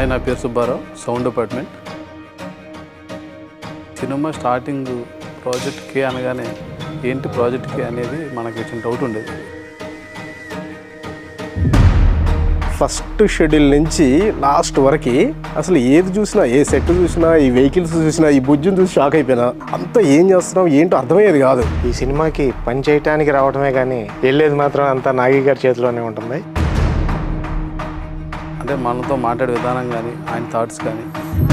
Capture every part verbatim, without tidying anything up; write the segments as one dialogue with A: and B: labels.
A: Hi, నా పేరు Subbarao, sound department. Cinema starting project K అనగానే ఏంటి ప్రాజెక్ట్ కే అనేది మనకు వచ్చిన డౌట్ ఉండేది.
B: ఫస్ట్ షెడ్యూల్ నుంచి లాస్ట్ వరకు అసలు ఏది చూసినా, ఏ సెట్ చూసినా, ఈ వెహికల్స్ చూసినా, ఈ బుజ్జును చూసి షాక్ అయిపోయినా. అంతా ఏం చేస్తున్నాం ఏంటో అర్థమయ్యేది కాదు.
C: ఈ సినిమాకి పని చేయటానికి రావడమే కానీ వెళ్ళేది మాత్రం అంతా నాగి గారి చేతిలోనే ఉంటుంది.
A: అంటే మనతో మాట్లాడే విధానం కానీ, ఆయన థాట్స్ కానీ,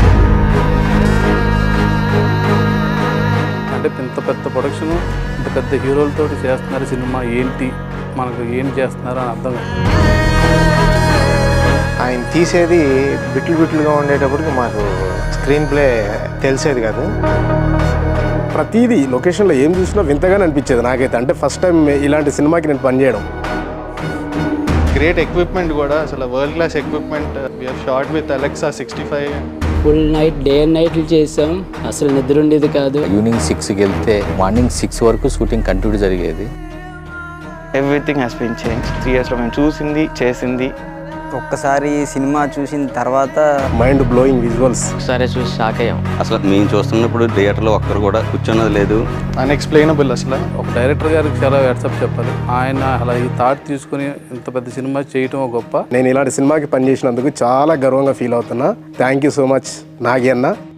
A: అంటే ఇంత పెద్ద ప్రొడక్షన్, ఇంత పెద్ద హీరోలతో చేస్తున్నారు సినిమా, ఏంటి మనకు ఏం చేస్తున్నారు అని అర్థం కాదు.
C: ఆయన తీసేది బిట్లు బిట్లుగా ఉండేటప్పటికి మాకు స్క్రీన్ ప్లే తెలిసేది కాదు.
B: ప్రతిదీ లొకేషన్లో ఏం చూసినా వింతగానే అనిపించేది నాకైతే. అంటే ఫస్ట్ టైం ఇలాంటి సినిమాకి నేను పనిచేయడం.
D: గ్రేట్ ఎక్విప్మెంట్ కూడా, అసలు world class equipment. We are shot with Alexa sixty five.
E: Full night day and నైట్లు చేసాం, అసలు నిద్ర ఉండేది కాదు.
F: ఈవినింగ్ సిక్స్కి వెళ్తే మార్నింగ్ సిక్స్ వరకు షూటింగ్ కంటిన్యూ జరిగేది.
G: Everything has been change. Three ఇయర్స్లో మేము చూసింది చేసింది.
H: ఒక్కసారి సినిమా చూసిన తర్వాత
B: మైండ్ బ్లోయింగ్ విజువల్స్
E: ఒకసారి చూసి షాక్ అయ్యాం.
I: అసలు మేము చూస్తున్నప్పుడు థియేటర్లో ఒక్కరు కూడా కూర్చున్నది లేదు.
D: అన్ఎక్స్ప్లెయినబుల్. అసలు
A: ఒక డైరెక్టర్ గారికి చాలా వాట్సాప్ చెప్పాలి. ఆయన అలా ఈ థాట్ తీసుకుని ఇంత పెద్ద సినిమా చేయటం గొప్ప.
B: నేను ఇలాంటి సినిమాకి పనిచేసినందుకు చాలా గర్వంగా ఫీల్ అవుతున్నా. Thank you so much Nagi అన్న.